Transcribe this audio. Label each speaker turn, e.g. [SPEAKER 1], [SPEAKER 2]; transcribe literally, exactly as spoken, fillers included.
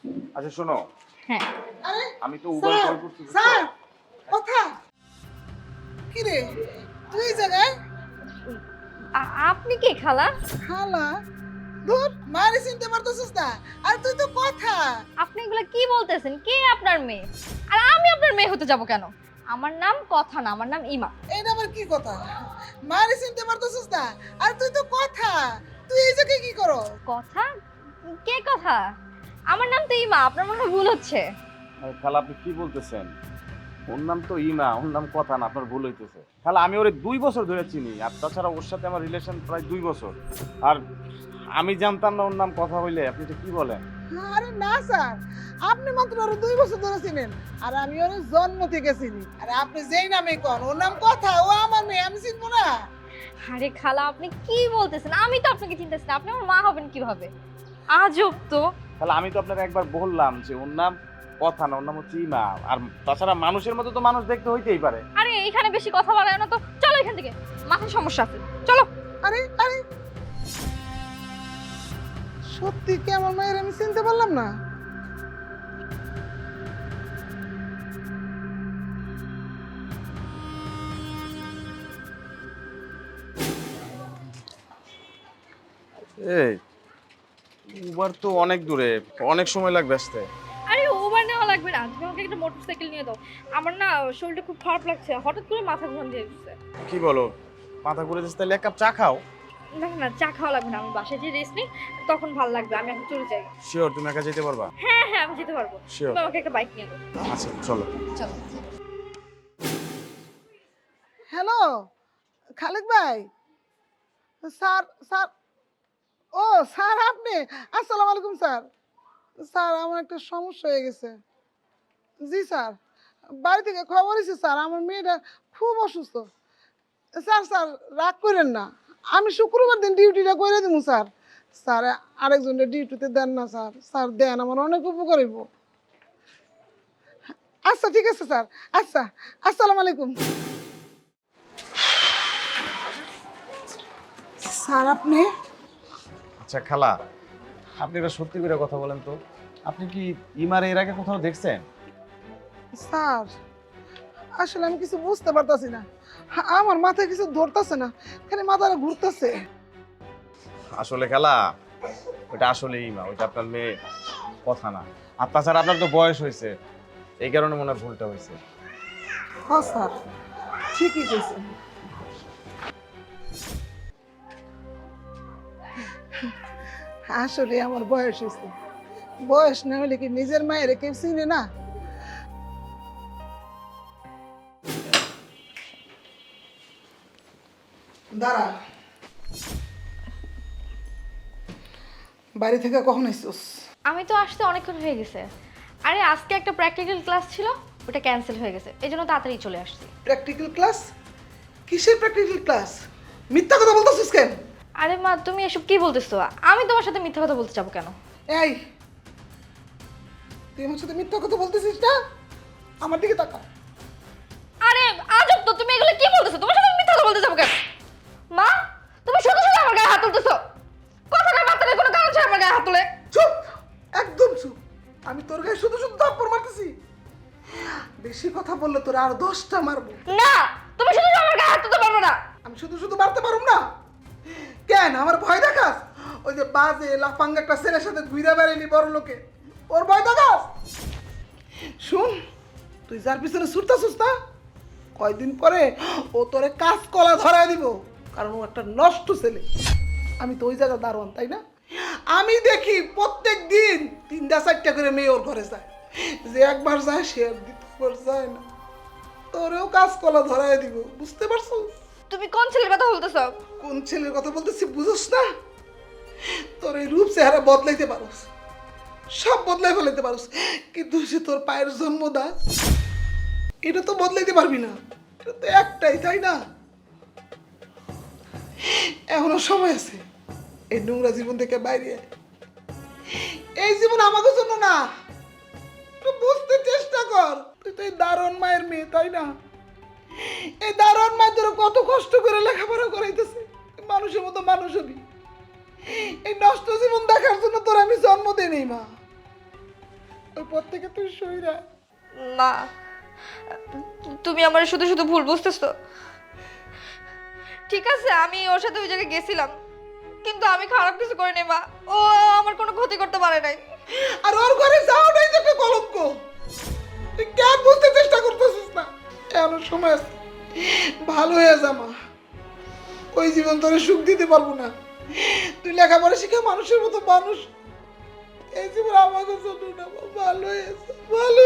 [SPEAKER 1] আচ্ছা শোনো,
[SPEAKER 2] হ্যাঁ
[SPEAKER 3] আরে
[SPEAKER 1] আমি তো উবার
[SPEAKER 3] স্যার,
[SPEAKER 1] কল করছি বুঝছো?
[SPEAKER 3] স্যার কথা কি রে তুই এই জায়গায়
[SPEAKER 2] আ- আপনি কে খালা?
[SPEAKER 3] খালা দূর মারি চিনতে পারতেছিস না আর তুই তো কথা
[SPEAKER 2] আপনি এগুলা কি বলতেছেন? কে আপনার মেয়ে? আর আমি আপনার মেয়ে হতে যাব কেন? আমার নাম কথা না, আমার নাম ইমা।
[SPEAKER 3] এটা আবার কি কথা মারি চিনতে পারতেছিস না আর তুই তো কথা তুই এই জায়গায় কি করো
[SPEAKER 2] কথা? কে কথা? আমার নাম তো ইমা, আপনার মনে হয় ভুল হচ্ছে।
[SPEAKER 1] আরে খালা আপনি কি বলতেছেন? ওর নাম তো ইমা, ওর নাম কথা না, আপনার ভুল হইতেছে। খালা আমি ওরে দুই বছর ধরে চিনি, আর তাছাড়া ওর সাথে আমার রিলেশন প্রায় দুই বছর। আর আমি জানতাম না ওর নাম কথা হইলে, আপনি তো কি বলেন?
[SPEAKER 3] আরে না স্যার আপনি মাত্র আরো দুই বছর ধরে চিনেন আর আমি ওর জন্ম থেকে চিনি আর আপনি যেই নামে কন ওর নাম কথা ও আমার মেয়ে আমি চিনবো না
[SPEAKER 2] আরে খালা আপনি কি বলতেছেন? আমি তো আপনাকে চিনতেছি না, আপনি আমার মা হবেন কিভাবে? আজব তো।
[SPEAKER 1] খালা আমি তো আপনাকে একবার বললাম যে ওর নাম কথা না, ওর নাম হচ্ছে ইমা। আর তাছাড়া মানুষের মতো তো মানুষ দেখতে হইতেই পারে।
[SPEAKER 2] আরে এখানে বেশি কথা বলায় না তো, চলো এখান থেকে, মাথায় সমস্যা আছে, চলো।
[SPEAKER 3] আরে আরে সত্যি কি আমার মায়ের আমি চিনতে পারলাম না
[SPEAKER 1] এই উবার তো অনেক দূরে, অনেক সময় লাগবে আসতে।
[SPEAKER 2] আরে ওভার নেওয়া লাগবে না, তুমি আমাকে একটা মোটরসাইকেল নিয়ে দাও। আমার না শরীরটা খুব খারাপ লাগছে, হঠাৎ করে মাথা ঘুরান দিয়ে দিচ্ছে।
[SPEAKER 1] কি বলো, মাথা ঘুরে যাচ্ছে? তাহলে এক কাপ চা খাও।
[SPEAKER 2] না না চা খাওয়া লাগবে না, আমি বাসায় যে রেস্ট নিই তখন ভালো লাগবে, আমি এখন চলে যাই।
[SPEAKER 1] শিওর তুমি একা যেতে পারবা?
[SPEAKER 2] হ্যাঁ হ্যাঁ আমি যেতে পারবো,
[SPEAKER 1] Sure.
[SPEAKER 2] তুমি আমাকে একটা বাইক নিয়ে দাও।
[SPEAKER 1] আচ্ছা চলো।
[SPEAKER 2] চলো।
[SPEAKER 3] হ্যালো খালেক ভাই স্যার স্যার ও স্যার আপনি আসসালামু আলাইকুম স্যার স্যার আমার একটা সমস্যা হয়ে গেছে জি স্যার বাড়ি থেকে খবর এসেছে স্যার আমার মেয়েটা খুব অসুস্থ স্যার স্যার রাগ করেন না আমি শুক্রবার দিন ডিউটিটা করে দেবো স্যার স্যার আরেকজনের ডিউটিতে দেন না স্যার স্যার দেন আমার অনেক উপকার হইব আচ্ছা ঠিক আছে স্যার আচ্ছা আসসালামু আলাইকুম স্যার আপনি
[SPEAKER 1] আচ্ছা খালা, আপনি এবার সত্যি করে কথা বলেন তো, আপনি কি ইমারে এর আগে কোথাও দেখছেন?
[SPEAKER 3] স্যার আসলে আমি কিছু বুঝতে পারতাছি না আমার মাথায় কিছু ধরতেছে না খালি মাথাটা ঘুরতেছে
[SPEAKER 1] আসলে খালা ওইটা আসলে ইমা, ওইটা আপনার মেয়ে কথা না। আর তাছাড়া আপনার তো বয়স হয়েছে, এই কারণে মনে হয় ভুলটা হয়েছে।
[SPEAKER 3] হ্যাঁ স্যার ঠিকই কইছেন আসলে আমার বয়স হয়েছে বয়স না হলে কি নিজের মায়ের কেউ চিনে না দাঁড়া বাড়ি থেকে কখন এসছিস
[SPEAKER 2] আমি তো আসতে অনেকক্ষণ হয়ে গেছে। আরে আজকে একটা প্র্যাকটিক্যাল ক্লাস ছিল, ওটা ক্যান্সেল হয়ে গেছে, এই জন্য তাড়াতাড়ি চলে আসছি।
[SPEAKER 3] প্র্যাকটিক্যাল ক্লাস কিসের প্র্যাকটিক্যাল ক্লাস মিথ্যা কথা বলতেছিস কেন
[SPEAKER 2] আরে মা তুমি এসব কি বলতেছো? আমি তোমার সাথে মিথ্যা কথা বলতে যাবো কেন?
[SPEAKER 3] এই তুই আমার সাথে মিথ্যা কথা বলতেছিস না আমার দিকে তাকা
[SPEAKER 2] আরে আজব তো, তুমি এগুলো কি বলতেছো? তোমার সাথে আমি মিথ্যা কথা বলতে যাবো কেন? মা তুমি শুধু শুধু আমার গায়ে হাত তুলতেছো, কথা না বার্তা নেই, কোনো কারণ ছাড়া আমার গায়ে হাত তুলে।
[SPEAKER 3] চুপ একদম চুপ আমি তোর গায়ে শুধু শুধু থাপ্পড় মারতেছি বেশি কথা বললে তোর আর দশটা মারবো
[SPEAKER 2] না তুমি শুধু শুধু আমার গায়ে হাত তুলতে পারবো না।
[SPEAKER 3] আমি শুধু শুধু মারতে পারুম না কেন আমার ভয় দেখাস ওই যে বাজে লাফাঙ্গা একটা ছেলের সাথে ঘুরে বেড়াইলি বড় লোকে ওর ভয় দেখাস শুন তুই যার পিছনে ছুটতেছিস না কয়দিন পরে ও তোরে কাজ কলা ধরায় দিব কারণ ও একটা নষ্ট ছেলে আমি তো ওই জায়গা দারোয়ান তাই না আমি দেখি প্রত্যেক দিন তিনটা চারটা করে মেয়ে ওর ঘরে যায় যে একবার যায় সে আর দ্বিতীয়বার যায় না তোরেও কাজ কলা ধরায় দিব বুঝতে পারছো
[SPEAKER 2] তুমি কোন ছেলের কথা বলতেছো?
[SPEAKER 3] কোন ছেলের কথা বলতেছি বুঝোস না তোর এই রূপ চেহারা বদলাইতে পারোস সব বদলাই ফেলাইতে পারোস কিন্তু সে তোর পায়ের জন্মদা এটা তো বদলাইতে পারবি না এটা তো একটাই তাই না এখনো সময় আছে এই নোংরা জীবন থেকে বাইরে আয়। এই জীবন আমাদের জন্য না তুই বুঝতে চেষ্টা কর তুই তো এই দারুণ মায়ের মেয়ে তাই না এই দারুণ মায়ের তোর কত কষ্ট করে লেখাপড়া করাইতেছে মানুষের মতো মানুষ হবি এই নষ্ট জীবন দেখার জন্য তোর আমি জন্ম দেই নেই মা ওই পর থেকে তুই সইরা।
[SPEAKER 2] মা তুমি আমার শুধু শুধু ভুল বুঝতেছো। ঠিক আছে আমি ওর সাথে ওই জায়গায় গেছিলাম, কিন্তু আমি খারাপ কিছু করিনি মা। ও আমার কোনো ক্ষতি করতে পারে নাই।
[SPEAKER 3] আর ওর ঘরে যাওয়াটাই তো একটা কলঙ্ক। তুই কেন বুঝতে চেষ্টা করতেছিস না? এমন সময় আছে, ভালো হয়ে যা মা। ওই জীবন তোরে সুখ দিতে পারবো না। তুই লেখাপড়া শিখে মানুষের মতো মানুষ, এই জীবন আমাকে জন্য না। ভালো হয়ে যা, ভালো